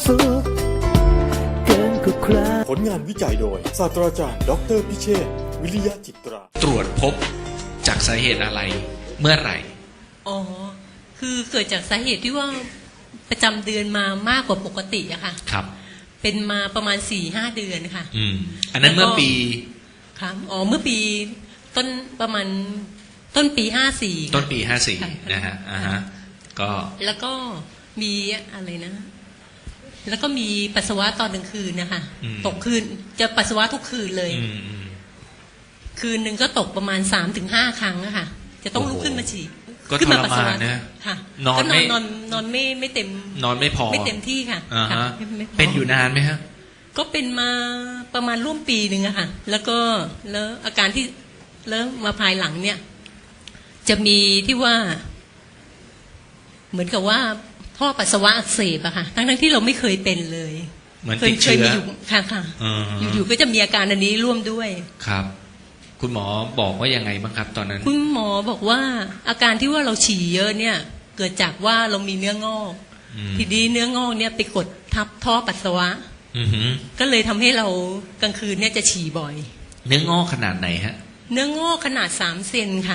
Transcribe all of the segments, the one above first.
สุขเกินกว่าใครผลงานวิจัยโดยศาสตราจารย์ดออเตอร์พิเชษฐ์วิริยะจิตราตรวจพบจากสาเหตุอะไรเมื่อไหร่อ๋อ คือเกิดจากสาเหตุที่ว่าประจำเดือนมามากกว่าปกติอะค่ะครับเป็นมาประมาณ 4-5 เดือนค่ะอันนั้นเมื่อปีครับอ๋อ เมื่อปีต้นประมาณต้นปี 54 ต้นปีค่ะ 54นะฮะก็แล้วก็มีอะไรนะ แล้วก็มีปัสสาวะตอนกลางคืนนะคะ ตกคืนจะปัสสาวะทุกคืนเลย คืนหนึ่งก็ตกประมาณ 3-5 ครั้งอะค่ะ จะต้องลุกขึ้นมาฉี่ก็ขึ้ทมาร ปัสสาวะมานนะค่ะนอนก็ไม่นอนไม่เต็มนอนไม่พอไม่เต็มที่ค่ะอ่าค่ะฮะไม่พเป็นอยู่นานไหมฮะก็เป็นมาประมาณร่วมปีหนึ่งอะค่ะ แล้วอาการที่แล้วมาภายหลังเนี่ย จะมีที่ว่า เหมือนกับว่าท่อปัสสาวะอักเสบอะค่ะ ทั้งที่เราไม่เคยเป็นเลยเหมือนติดเชื้อมีอยู่ค่ะ อยู่ๆก็จะมีอาการอันนี้ร่วมด้วยครับ คุณหมอบอกว่ายังไงบ้างครับตอนนั้นคุณหมอบอกว่าอาการที่ว่าเราฉี่เยอะเนี่ย เกิดจากว่าเรามีเนื้องอก ทีนี้เนื้องอกเนี่ยไปกดทับท่อปัสสาวะ ก็เลยทำให้เรากลางคืนเนี่ยจะฉี่บ่อยเนื้องอกขนาดไหนฮะเนื้องอกขนาด3 เซนค่ะ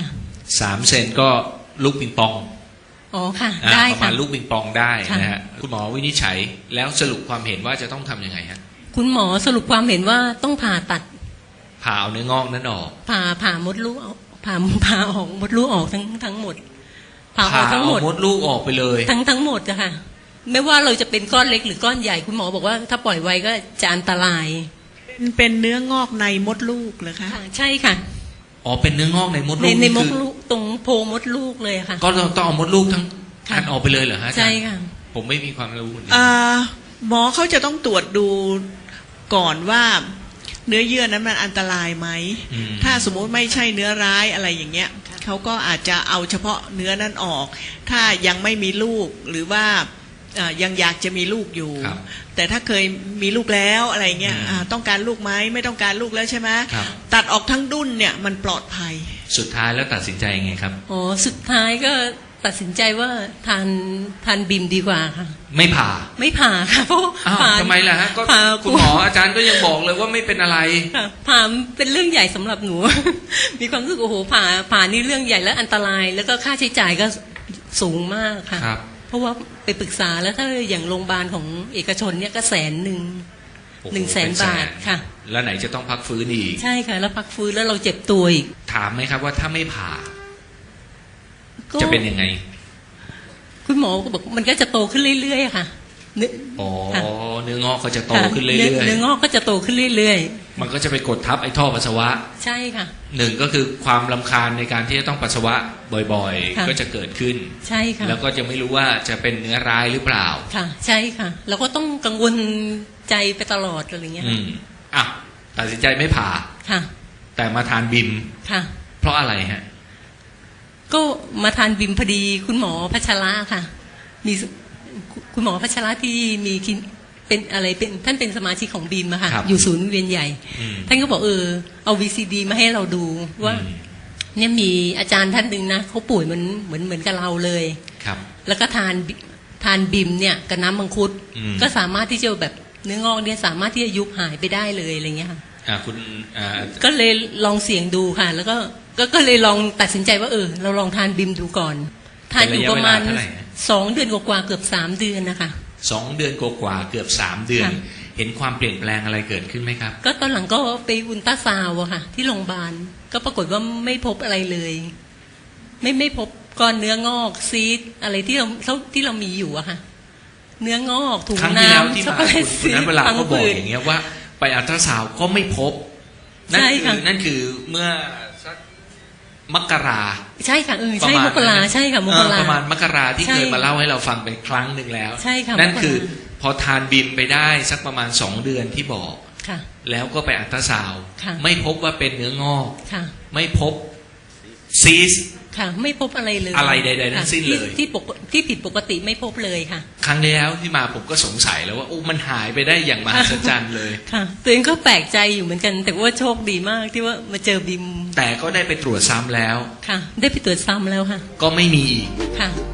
3 เซนก็ลูกปิงปองอ๋อค่ะ ได้ประค่ะมาณลูกปิงปองได้ค่ะนะฮะคุณหมอวินิจฉัยแล้วสรุปความเห็นว่าจะต้องทำยังไงฮะคุณหมอสรุปความเห็นว่าต้องผ่าตัดผ่าเอาเนื้องอกนั้นออกผ่ามดลูกออกผ่าออกมดลูกออกทั้งหมด ผ่าออกทั้งหมดมดลูกออกไปเลยทั้งหมดอะค่ะ ไม่ว่าเราจะเป็นก้อนเล็กหรือก้อนใหญ่คุณหมอบอกว่าถ้าปล่อยไว้ก็จะอันตรายเป็นเนื้องอกในมดลูกเหรอคะค่ะใช่ค่ะอ๋อเป็นเนื้องอกในมดลูกในมดคือลูกตรงโพรงมดลูกเลยค่ะก็ต้องเอามดลูกทั้งค่ะอันออกไปเลยเหรอฮะอาจารย์ใช่ค่ะผมไม่มีความรู้นี่หมอเขาจะต้องตรวจดูก่อนว่าเนื้อเยื่อนั้นมันอันตรายไหม ถ้าสมมุติไม่ใช่เนื้อร้ายอะไรอย่างเงี้ยเขาก็อาจจะเอาเฉพาะเนื้อนั้นออก ถ้ายังไม่มีลูกหรือว่ายังอยากจะมีลูกอยู่ครับแต่ถ้าเคยมีลูกแล้วอะไรเงี้ยต้องการลูกไหมไม่ต้องการลูกแล้วใช่ไหมครับตัดออกทั้งดุ้นเนี่ยมันปลอดภัยสุดท้ายแล้วตัดสินใจยังไงครับอ๋อสุดท้ายก็ตัดสินใจว่าทานบิมดีกว่าค่ะไม่ผ่าไม่ผ่าค่ะเพราะอ้าวผ่าทำไมล่ะฮะก็ผ่าคุณหมออาจารย์ก็ยังบอกเลยว่าไม่เป็นอะไรค่ะผ่าเป็นเรื่องใหญ่สำหรับหนู มีความรู้สึกโอ้โหผ่านี่เรื่องใหญ่และอันตราย แล้วก็ค่าใช้จ่ายก็สูงมากค่ะครับเพราะว่าไปปรึกษาแล้วถ้าอย่างโรงพยาบาลของเอกชนเนี่ยก็100,000 โอ้โห 100,000 บาทค่ะแล้วไหนจะต้องพักฟื้นอีกใช่ค่ะ แล้วพักฟื้นแล้วเราเจ็บตัวอีกถามไหมครับว่าถ้าไม่ผ่าก็จะเป็นยังไงคุณหมอก็บอกมันก็จะโตขึ้นเรื่อยๆค่ะเนื้ออ๋อค่ะเนื้องอกก็จะโตค่ะขึ้นเรื่อยเนื้องอกก็จะโตขึ้นเรื่อยๆมันก็จะไปกดทับไอ้ท่อปัสสาวะๆ ใช่ค่ะหนึ่งก็คือความรำคาญในการที่จะต้องปัสสาวะบ่อยค่ะๆ ก็จะเกิดขึ้นใช่ค่ะแล้วก็จะไม่รู้ว่าจะเป็นเนื้อร้ายหรือเปล่าค่ะ ใช่ค่ะ เราก็ต้องกังวลใจไปตลอดอะไรเงี้ยอ่ะตัดสินใจไม่ผ่าค่ะแต่มาทานบิมค่ะเพราะอะไรฮะก็มาทานบิมพอดีคุณหมอพัชระค่ะ มีคุณหมอพัชระที่มีเป็นอะไรเป็นท่านเป็นสมาชิกของบิมอะค่ะครับอยู่ศูนย์เวียนใหญ่ ท่านก็บอกเอา VCD มาให้เราดูว่า เนี่ยมีอาจารย์ท่านหนึ่งนะเขาป่วยเหมือนกับเราเลยครับแล้วก็ทานบิมเนี่ยกับน้ำมังคุดก็ก็สามารถที่จะแบบเนื้องอกเนี่ยสามารถที่จะยุบหายไปได้เลยอะไรเงี้ยค่ะคุณก็เลยลองเสี่ยงดูค่ะ แล้วก็เลยลองตัดสินใจว่าเราลองทานบิมดูก่อน ทานอยู่ประมาณเป็นระยะเวลาเท่าไหร่ฮะ 2 เดือนกว่าๆเกือบ3 เดือนนะคะ 2 เดือนกว่าๆเกือบ3 เดือนค่ะเห็นความเปลี่ยนแปลงอะไรเกิดขึ้นไหมครับก็ตอนหลังก็ไปอุลตราซาวด์อะค่ะ ที่โรงพยาบาลก็ปรากฏว่าไม่พบอะไรเลย ไม่พบก้อนเนื้องอกซีดอะไรที่เรามีอยู่อะค่ะ เนื้องอกถุงครั้งที่แล้วน้ำที่ช็อกมาโกแลตคุณซีดนั้นเวลาพังก็บอกผืดอย่างเงี้ยว่า ไปอัลตราซาวด์ก็ไม่พบ นั่นใช่คืค่ะนั่นคือเมื่อสักมกราใช่ค่ะใช่ประมาณมกรานั้นใช่ค่ะมกราประมาณมกราที่ใช่เคยมาเล่าให้เราฟังไปครั้งหนึ่งแล้วใช่ค่ะนั่นมกราคือพอทานบิมไปได้สักประมาณ2 เดือนที่บอกค่ะแล้วก็ไปอัลตราซาวด์ค่ะไม่พบว่าเป็นเนื้องอกค่ะไม่พบซีสค่ะ ไม่พบอะไรเลยอะไรใดๆทั้งสิ้นเลยที่ผิดปกติไม่พบเลยค่ะครั้งที่แล้วที่มาผมก็สงสัยแล้วว่าโอ้มันหายไปได้อย่างมหัศจรรย์เลยค่ะตัวเองก็แปลกใจอยู่เหมือนกัน แต่ว่าโชคดีมากที่ว่ามาเจอบิมแต่ก็ได้ไปตรวจซ้ำแล้วค่ะ ได้ไปตรวจซ้ำแล้วค่ะก็ไม่มีอีกค่ะ